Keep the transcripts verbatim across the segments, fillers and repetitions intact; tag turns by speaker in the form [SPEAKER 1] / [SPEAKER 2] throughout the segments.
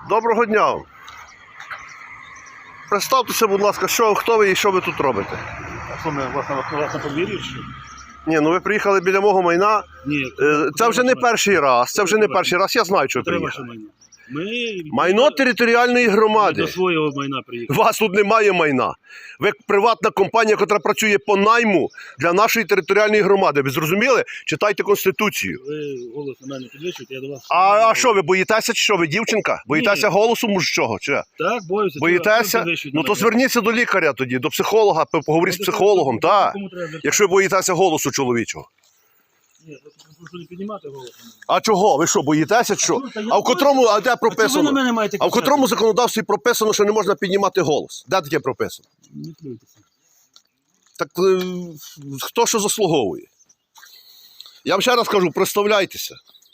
[SPEAKER 1] Доброго дня. Представтеся, будь ласка, що, хто ви і що ви тут робите?
[SPEAKER 2] А що, ми власне, власне подвір'ї чи?
[SPEAKER 1] Ні, ну ви приїхали біля мого майна.
[SPEAKER 2] Ні.
[SPEAKER 1] Е, Це вже не перший раз, це вже не перший раз, я знаю, що ви приїхали.
[SPEAKER 2] Майно. Ми...
[SPEAKER 1] Майно територіальної
[SPEAKER 2] Ми
[SPEAKER 1] громади.
[SPEAKER 2] до свого майна приїхали.
[SPEAKER 1] У вас тут немає майна. Ви приватна компанія, яка працює по найму для нашої територіальної громади. Ви зрозуміли? Читайте Конституцію.
[SPEAKER 2] Ви голос на мене підвищуєте, я до вас...
[SPEAKER 1] А, а що, ви боїтеся чи що? Ви дівчинка? Боїтеся
[SPEAKER 2] Ні.
[SPEAKER 1] голосу мужчого? Чи?
[SPEAKER 2] Так, боюся.
[SPEAKER 1] Боїтеся? Ну то зверніться до лікаря тоді, до психолога, поговоріть з психологом, так. Якщо ви боїтеся голосу чоловічого.
[SPEAKER 2] Ні, я прошу не піднімати голос.
[SPEAKER 1] А чого? Ви що, боїтеся чи що? А в котрому, а де прописано? А в котрому законодавстві прописано, що не можна піднімати голос? Де таке прописано?
[SPEAKER 2] Не плюйтеся.
[SPEAKER 1] Так е, хто що заслуговує? Я вам ще раз кажу, представляйтеся.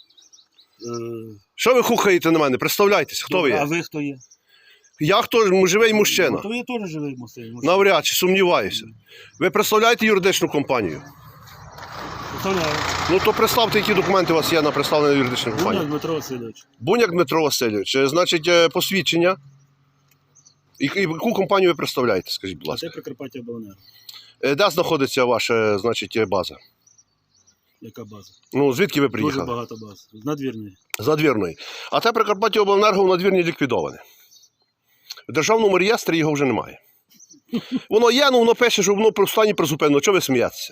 [SPEAKER 2] Е,
[SPEAKER 1] Що ви хухаєте на мене? Представляйтеся, хто ви
[SPEAKER 2] А
[SPEAKER 1] є?
[SPEAKER 2] ви хто є?
[SPEAKER 1] Я хто? Живий мужчина.
[SPEAKER 2] Ну, то я теж живий мужчина.
[SPEAKER 1] Навряд чи, сумніваюся. Ви представляєте юридичну компанію?
[SPEAKER 2] Представляю.
[SPEAKER 1] Ну то представте, які документи у вас є на представлення юридичної
[SPEAKER 2] Буняк
[SPEAKER 1] компанії.
[SPEAKER 2] Дмитро Васильович.
[SPEAKER 1] Буняк Дмитро Васильович, е, значить, е, посвідчення. І, і яку компанію ви представляєте, скажіть, будь ласка?
[SPEAKER 2] Це Прикарпаття Обленерго.
[SPEAKER 1] Е, Де знаходиться ваша, значить, база?
[SPEAKER 2] Яка база?
[SPEAKER 1] Ну, звідки ви
[SPEAKER 2] Дуже
[SPEAKER 1] приїхали?
[SPEAKER 2] багато баз. З надвірної.
[SPEAKER 1] З надвірної. А те Прикарпаття Обленерго в надвірні ліквідоване. В державному реєстрі його вже немає. Воно є, ну воно пише, що воно в стані призупинено. Чого ви смієтеся?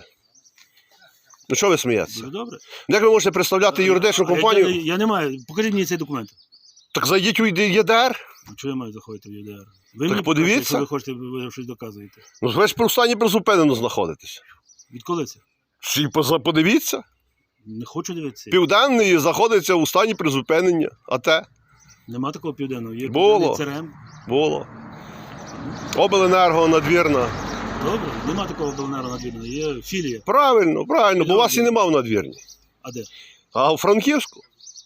[SPEAKER 1] Ну чого ви смієтеся?
[SPEAKER 2] Дуже добре.
[SPEAKER 1] Як ви можете представляти юридичну
[SPEAKER 2] А я-
[SPEAKER 1] компанію?
[SPEAKER 2] Я, я не маю. Покажіть мені цей документ.
[SPEAKER 1] Так зайдіть у ЄДР.
[SPEAKER 2] А чого я маю заходити в ЄДР? Ви
[SPEAKER 1] Так
[SPEAKER 2] мені
[SPEAKER 1] подивіться.
[SPEAKER 2] покажете, що ви хочете, ви щось доказуєте.
[SPEAKER 1] Ну ви ж в стані призупинено знаходитесь.
[SPEAKER 2] Відколи це?
[SPEAKER 1] Всі поза- подивіться.
[SPEAKER 2] Не хочу дивитися.
[SPEAKER 1] Південний знаходиться у стані призупинення. А те?
[SPEAKER 2] Нема такого південного. Є
[SPEAKER 1] Було.
[SPEAKER 2] південний ЦРМ.
[SPEAKER 1] Було. Обленерго, надвірна.
[SPEAKER 2] Добре. Нема такого обленерго надвірного. Є філія.
[SPEAKER 1] Правильно, правильно, бо вас і нема в надвірні.
[SPEAKER 2] А де?
[SPEAKER 1] А у Франківську?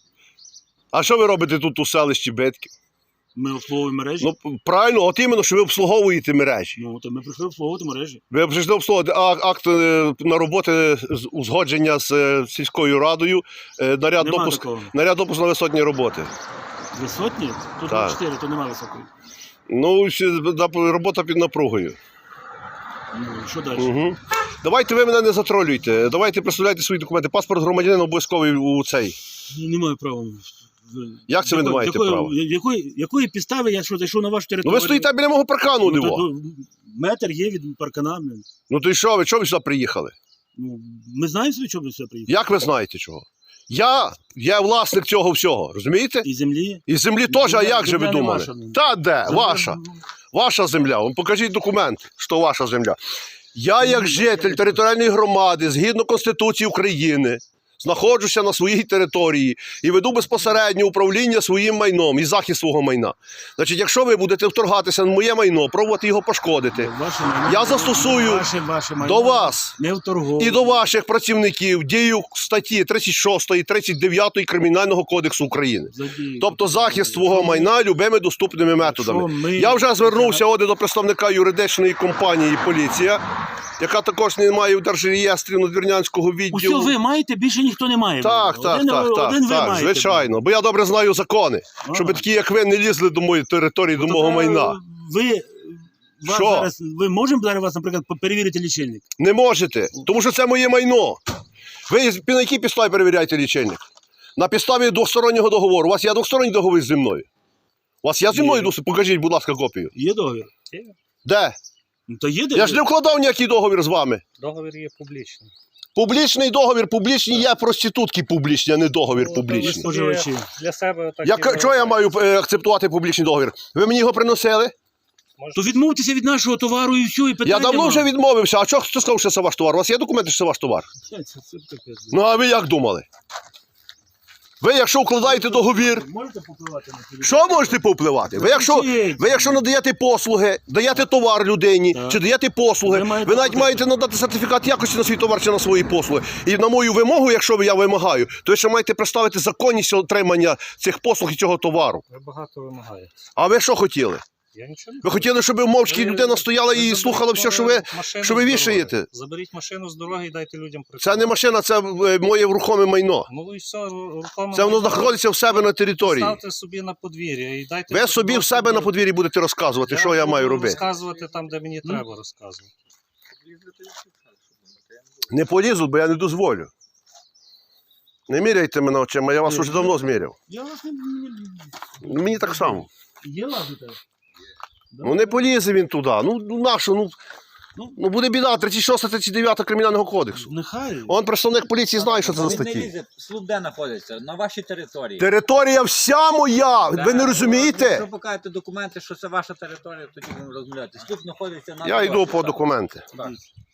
[SPEAKER 1] А що ви робите тут у селищі Битків?
[SPEAKER 2] Ми обслуговуємо мережі.
[SPEAKER 1] Ну, правильно, от іменно, що ви обслуговуєте мережі.
[SPEAKER 2] Ну, то ми прийшли обслуговувати мережі.
[SPEAKER 1] Ви прийшли обслуговувати а- акт е, на роботи з узгодження з е, сільською радою, е, наряд
[SPEAKER 2] Нема
[SPEAKER 1] допуск,
[SPEAKER 2] такого.
[SPEAKER 1] наряд допуск на висотні роботи.
[SPEAKER 2] Висотні? Тут
[SPEAKER 1] Так.
[SPEAKER 2] чотири, то нема високої.
[SPEAKER 1] Ну, ще на- робота під напругою.
[SPEAKER 2] Ну, що далі?
[SPEAKER 1] Угу. Давайте ви мене не затролюйте. Давайте представляйте свої документи. Паспорт громадянина обов'язковий у цей.
[SPEAKER 2] Не маю права.
[SPEAKER 1] Як це ви не маєте
[SPEAKER 2] якої,
[SPEAKER 1] права?
[SPEAKER 2] Якої, якої підстави я що зайшов на вашу
[SPEAKER 1] Ну
[SPEAKER 2] територію?
[SPEAKER 1] ви стоїте біля мого паркану,
[SPEAKER 2] Ну,
[SPEAKER 1] диво.
[SPEAKER 2] то- то метр є від паркана. блін.
[SPEAKER 1] Ну то і що ви? Чого ви сюди приїхали?
[SPEAKER 2] Ну, ми знаємо, собі, чого ми сюди приїхали.
[SPEAKER 1] Як ви знаєте чого? Я є власник цього всього, розумієте?
[SPEAKER 2] І землі.
[SPEAKER 1] І землі теж, а
[SPEAKER 2] Земля-
[SPEAKER 1] як же ви
[SPEAKER 2] земля не
[SPEAKER 1] думали?
[SPEAKER 2] ваша.
[SPEAKER 1] Та де?
[SPEAKER 2] Земля-
[SPEAKER 1] Ваша. Ваша земля. Вам покажіть документ, що ваша земля. Я, як житель територіальної громади, згідно Конституції України, знаходжуся на своїй території і веду безпосередньо управління своїм майном і захист свого майна. Значить, якщо ви будете вторгатися на моє майно, пробувати його пошкодити,
[SPEAKER 2] Ваше майно,
[SPEAKER 1] я застосую
[SPEAKER 2] ваше, ваше майно
[SPEAKER 1] до вас
[SPEAKER 2] не вторговує.
[SPEAKER 1] і до ваших працівників дію статті тридцять шостої, тридцять дев'ятої Кримінального кодексу України.
[SPEAKER 2] Задію.
[SPEAKER 1] Тобто захист свого майна любими доступними методами.
[SPEAKER 2] ми-
[SPEAKER 1] Я вже звернувся от до представника юридичної компанії «Поліція», яка також не має в держреєстрі надвірнянського відділу.
[SPEAKER 2] Усьо ви маєте, більше ніхто не має.
[SPEAKER 1] Так, так,
[SPEAKER 2] один,
[SPEAKER 1] так, так,
[SPEAKER 2] один ви
[SPEAKER 1] так,
[SPEAKER 2] маєте.
[SPEAKER 1] звичайно. Бо я добре знаю закони,
[SPEAKER 2] Ага.
[SPEAKER 1] щоб такі, як ви, не лізли до моєї території, до
[SPEAKER 2] Ну,
[SPEAKER 1] мого
[SPEAKER 2] то,
[SPEAKER 1] майна.
[SPEAKER 2] Ви, вас
[SPEAKER 1] Що?
[SPEAKER 2] зараз, ви можемо зараз вас, наприклад, перевірити лічильник?
[SPEAKER 1] Не можете, тому що це моє майно. Ви на якій підставі перевіряєте лічильник? На підставі двостороннього договору. У вас є двосторонній договір зі мною? У вас є зі мною
[SPEAKER 2] Є.
[SPEAKER 1] досить? Покажіть, будь ласка, копію.
[SPEAKER 2] Є договір?
[SPEAKER 1] Де?
[SPEAKER 2] Ну, то є
[SPEAKER 1] Я ж не вкладав ніякий договір з вами.
[SPEAKER 3] Договір є публічний.
[SPEAKER 1] Публічний договір, публічні є проститутки публічні, а не договір
[SPEAKER 3] Ну,
[SPEAKER 1] публічний.
[SPEAKER 2] ви споживачі.
[SPEAKER 3] Для себе так.
[SPEAKER 1] Я,
[SPEAKER 3] і
[SPEAKER 1] чого я маю
[SPEAKER 3] вважаю.
[SPEAKER 1] е, акцептувати публічний договір? Ви мені його приносили?
[SPEAKER 2] То відмовтеся від нашого товару і все, і питання.
[SPEAKER 1] Я давно
[SPEAKER 2] нема.
[SPEAKER 1] вже відмовився. А чого хто сказав, що це ваш товар? У вас є документи, що це ваш товар?
[SPEAKER 2] Це, це, це таке.
[SPEAKER 1] Ну, а ви як думали? Ви, якщо укладаєте договір,
[SPEAKER 2] Можете попливати на телевізор?
[SPEAKER 1] що можете повпливати? Ви якщо, ви якщо надаєте послуги, даєте товар людині,
[SPEAKER 2] Так.
[SPEAKER 1] чи даєте послуги,
[SPEAKER 2] Ви
[SPEAKER 1] ви,
[SPEAKER 2] маєте
[SPEAKER 1] навіть
[SPEAKER 2] подати.
[SPEAKER 1] маєте надати сертифікат якості на свій товар чи на свої послуги. І на мою вимогу, якщо я вимагаю, то ви ще маєте представити законність отримання цих послуг і цього товару.
[SPEAKER 3] Ви багато вимагаєте.
[SPEAKER 1] А ви що хотіли?
[SPEAKER 3] Я нічого не
[SPEAKER 1] Ви хотіли, щоб мовчки
[SPEAKER 3] Ви-
[SPEAKER 1] людина стояла і
[SPEAKER 3] ви
[SPEAKER 1] слухала все, що ви.
[SPEAKER 3] заберіть машину
[SPEAKER 1] що ви
[SPEAKER 3] з дороги.
[SPEAKER 1] вішаєте?
[SPEAKER 3] Заберіть машину з дороги і дайте людям
[SPEAKER 1] Це
[SPEAKER 3] працювати.
[SPEAKER 1] не машина, це е, моє рухоме майно.
[SPEAKER 3] Ну і все, руками...
[SPEAKER 1] Це воно знаходиться в себе на території.
[SPEAKER 3] Ставте собі на подвір'я і дайте...
[SPEAKER 1] Ви собі в себе на подвір'ї будете розказувати, що я
[SPEAKER 3] буду
[SPEAKER 1] маю робити.
[SPEAKER 3] розказувати там, де мені треба розказувати.
[SPEAKER 1] Не полізу, бо я не дозволю. Не міряйте мене очима, я вас уже давно зміряв.
[SPEAKER 2] Я вас не...
[SPEAKER 1] Ну, мені так само.
[SPEAKER 2] Є лазити?
[SPEAKER 1] Ну не полізе він туди. Ну, ну нащо? Ну,
[SPEAKER 2] Ну.
[SPEAKER 1] ну буде біда, тридцять шоста тридцять дев'ята Кримінального кодексу.
[SPEAKER 2] Нехай.
[SPEAKER 1] Он представник поліції знає, що це за
[SPEAKER 4] Він не
[SPEAKER 1] статті.
[SPEAKER 4] лізе, слуп де знаходиться? На вашій території.
[SPEAKER 1] Територія вся моя! Ви не розумієте?
[SPEAKER 4] Якщо покажете документи, що це ваша територія, тоді будемо розмовляти. Слуп знаходиться на
[SPEAKER 1] Я йду
[SPEAKER 4] дорозі,
[SPEAKER 1] по
[SPEAKER 4] так.
[SPEAKER 1] документи.
[SPEAKER 4] Так.